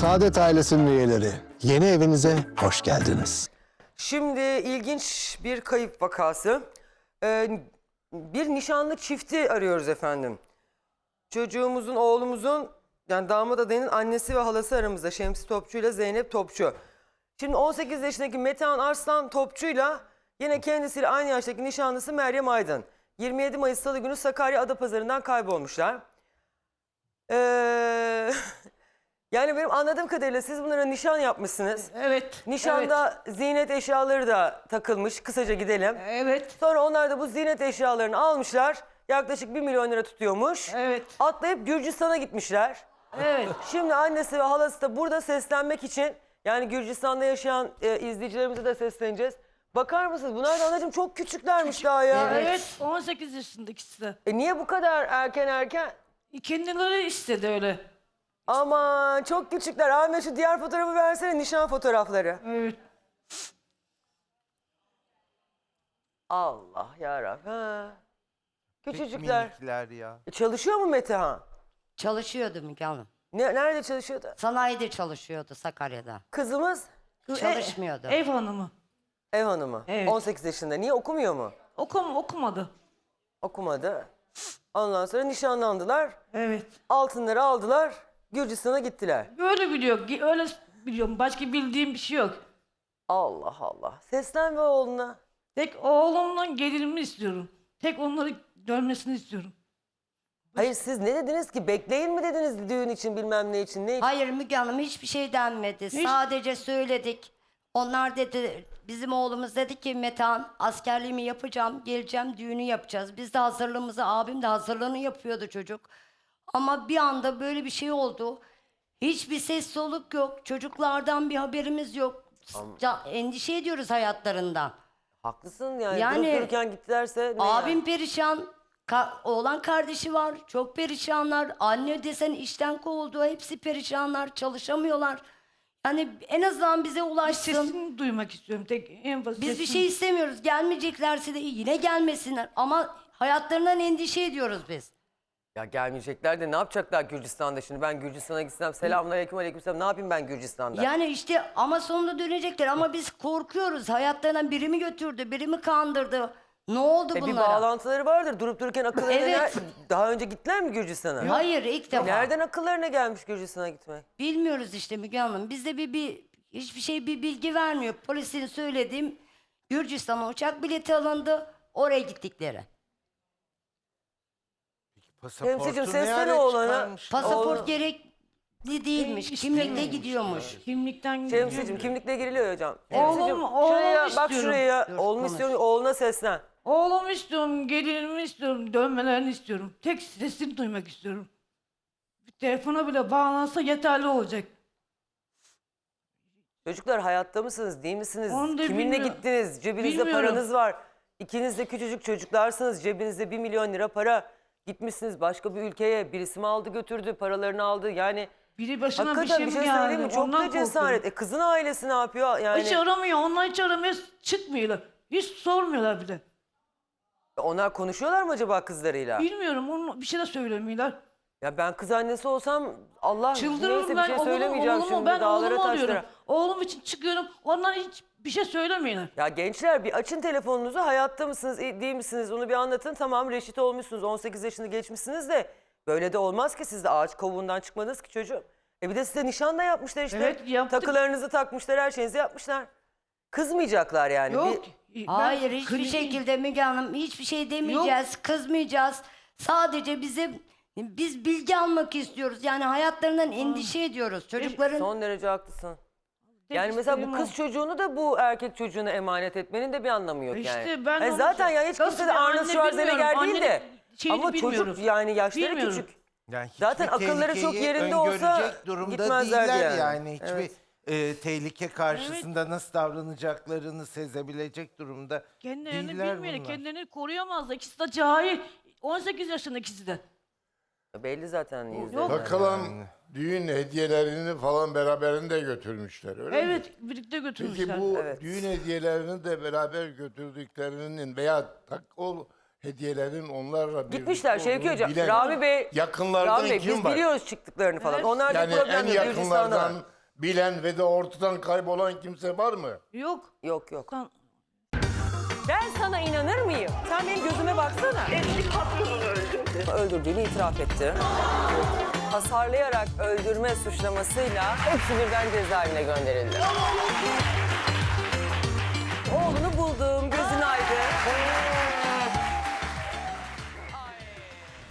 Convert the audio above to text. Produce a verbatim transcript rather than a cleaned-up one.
Saadet ailesinin üyeleri, yeni evinize hoş geldiniz. Şimdi ilginç bir kayıp vakası. Ee, bir nişanlı çifti arıyoruz efendim. Çocuğumuzun, oğlumuzun, yani damat adayının annesi ve halası aramızda. Şemsi Topçu ile Zeynep Topçu. Şimdi on sekiz yaşındaki Metehan Arslan Topçu'yla yine kendisiyle aynı yaştaki nişanlısı Meryem Aydın. yirmi yedi Mayıs Salı günü Sakarya Adapazarı'ndan kaybolmuşlar. Ee, yani benim anladığım kadarıyla siz bunlara nişan yapmışsınız. Evet. Nişanda ziynet eşyaları da takılmış. Kısaca gidelim. Evet. Sonra onlar da bu ziynet eşyalarını almışlar. Yaklaşık bir milyon lira tutuyormuş. Evet. Atlayıp Gürcistan'a gitmişler. Evet. Şimdi annesi ve halası da burada seslenmek için, yani Gürcistan'da yaşayan e, izleyicilerimize de sesleneceğiz. Bakar mısınız? Bunlar da anacığım çok küçüklermiş daha ya. Evet. on sekiz yaşında ikisi de. E niye bu kadar erken erken? Kendileri istedi öyle. Aman çok küçükler. Ahmet şu diğer fotoğrafı versene, nişan fotoğrafları. Evet. Allah yarabbim. Ha. Küçücükler. Minikler ya. E, çalışıyor mu Metehan? Çalışıyordu Müge Hanım. Ne, nerede çalışıyordu? Sanayide çalışıyordu Sakarya'da. Kızımız Çalışmıyordu. E, ev hanımı. ev hanımı. Evet. on sekiz yaşında. Niye okumuyor mu? Okum, okumadı. Okumadı. Ondan sonra nişanlandılar. Evet. Altınları aldılar. Gürcistan'a gittiler. Böyle biliyor. Öyle biliyorum. Başka bildiğim bir şey yok. Allah Allah. Seslen be oğluna. Tek oğlumla gelinimi istiyorum. Tek onları görmesini istiyorum. Hayır siz ne dediniz ki? Bekleyin mi dediniz düğün için, bilmem ne için? Ne için? Hayır Müge Hanım, hiçbir şey denmedi. Hiç- Sadece söyledik. Onlar dedi, bizim oğlumuz dedi ki Metehan, askerliğimi yapacağım, geleceğim, düğünü yapacağız. Biz de hazırlığımızı, abim de hazırlığını yapıyordu çocuk. Ama bir anda böyle bir şey oldu. Hiçbir ses soluk yok. Çocuklardan bir haberimiz yok. Ya, endişe ediyoruz hayatlarından. Haklısın yani. Yani- Durup dururken gittilerse ne Abim yani? perişan. Ka- oğlan kardeşi var. Çok perişanlar. Anne desen işten kovuldu. Hepsi perişanlar. Çalışamıyorlar. Yani en azından bize ulaşsın. Sesini duymak istiyorum. Tek en basit. Biz bir sesini- şey istemiyoruz. Gelmeyeceklerse de yine gelmesinler. Ama hayatlarından endişe ediyoruz biz. Ya gelmeyecekler de ne yapacaklar Gürcistan'da şimdi? Ben Gürcistan'a gitsem, selamünaleyküm aleykümselam, ne yapayım ben Gürcistan'da? Yani işte ama sonunda dönecekler. Ama biz korkuyoruz. Hayatlarından biri mi götürdü, biri mi kandırdı? Ne oldu E bir bunlara? bağlantıları vardır. Durup dururken akıllarına Evet. ner- Daha önce gittiler mi Gürcistan'a? Hayır, ilk defa. Nereden akıllarına gelmiş Gürcistan'a gitmek? Bilmiyoruz işte Müge Hanım. Bizde bir, bir hiçbir şey bir bilgi vermiyor. Polisin söylediğim Gürcistan'a uçak bileti alındı. Oraya gittikleri. Pasaportu Temsilcim, ne seslene ara oğlana. çıkarmış? Pasaport Oğlum. gerekli değilmiş. E, Kimlikle istemiyormuş. gidiyormuş. Kimlikten gidiyor. Şemsicim kimlikle giriliyor hocam. Oğlum, Şemsicim, oğlum şuraya bak, istiyorum. şuraya. Dur, Oğlum konuş. istiyorum, oğluna seslen. Oğlumu istiyorum, gelinimi istiyorum, dönmelerini istiyorum. Tek sesini duymak istiyorum. Bir telefona bile bağlansa yeterli olacak. Çocuklar hayatta mısınız, değil misiniz? Onu da Kiminle bilmiyorum. gittiniz? Cebinizde Bilmiyorum. paranız var. İkiniz de küçücük çocuklarsınız. Cebinizde bir milyon lira para. Gitmişsiniz başka bir ülkeye. Birisi mi aldı götürdü, paralarını aldı. Yani Biri başına bir hakikaten şey bir mi şey geldi? söyleyeyim mi? Çok Ondan da cesaret. korkuyorum. E kızın ailesi ne yapıyor? Yani Hiç aramıyor, onlar hiç aramıyor, çıkmıyorlar. Hiç sormuyorlar bile. onlar konuşuyorlar mı acaba kızlarıyla? Bilmiyorum, onu bir şey de söylemiyorlar. Ya ben kız annesi olsam Allah Çıldırırım neyse bir ben şey oğlumu, söylemeyeceğim oğlumu, şimdi ben dağlara oğlumu taşlara. alıyorum. Oğlum için çıkıyorum, onlar hiç bir şey söylemiyorlar. Ya gençler bir açın telefonunuzu, hayatta mısınız değil misiniz onu bir anlatın. Tamam reşit olmuşsunuz, on sekiz yaşını geçmişsiniz de böyle de olmaz ki, siz de ağaç kovuğundan çıkmadınız ki çocuğum. E bir de size nişan da yapmışlar işte. Evet, yaptık. Takılarınızı takmışlar, her şeyinizi yapmışlar. Kızmayacaklar yani. Yok. Bir- ben Hayır, hiçbir kliniğim- şekilde Müge Hanım hiçbir şey demeyeceğiz, kızmayacağız. Sadece bize biz bilgi almak istiyoruz. Yani hayatlarından endişe ediyoruz. Çocukların Son derece haklısın. Tek Yani mesela bu isteğim kız o. çocuğunu da bu erkek çocuğuna emanet etmenin de bir anlamı yok İşte yani. ben E onu- zaten yani hiç Nasıl kimse de bir Arnold anne Schwarzenegger bilmiyorum. değil de. Annenin şeyini Ama çocuk bilmiyoruz. yani yaşları Bilmiyorum. küçük. Yani hiçbir Zaten akılları çok tehlikeyi yerinde olsa öngörecek durumda gitmezlerdi değiller yani. yani. Hiçbir Evet. e, tehlike karşısında nasıl davranacaklarını sezebilecek durumda Kendilerini değiller bilmiyor, bunlar. kendilerini koruyamazlar. İkisi de cahil. on sekiz yaşında ikisi de. Belli zaten yüzde. Yok. Takılan düğün hediyelerini falan beraberinde götürmüşler öyle mi? Evet, birlikte götürmüşler. Peki bu Evet. düğün hediyelerini de beraber götürdüklerinin veya tak, o hediyelerin onlarla birlikte Gitmişler Şevki olduğunu Hocam. bilen Rami Bey, yakınlardan Rami Bey kim biz var? biliyoruz çıktıklarını falan. Evet. Onlar da Yani problem en yok. Gürcistan'da var. yakınlardan bilen ve de ortadan kaybolan kimse var mı? Yok. Yok yok. Kan- Ben sana inanır mıyım? Sen benim gözüme baksana. Eski patronunu öldürdü. Öldürdüğünü itiraf etti. Hasarlayarak öldürme suçlamasıyla hepsi birden cezaevine gönderildi.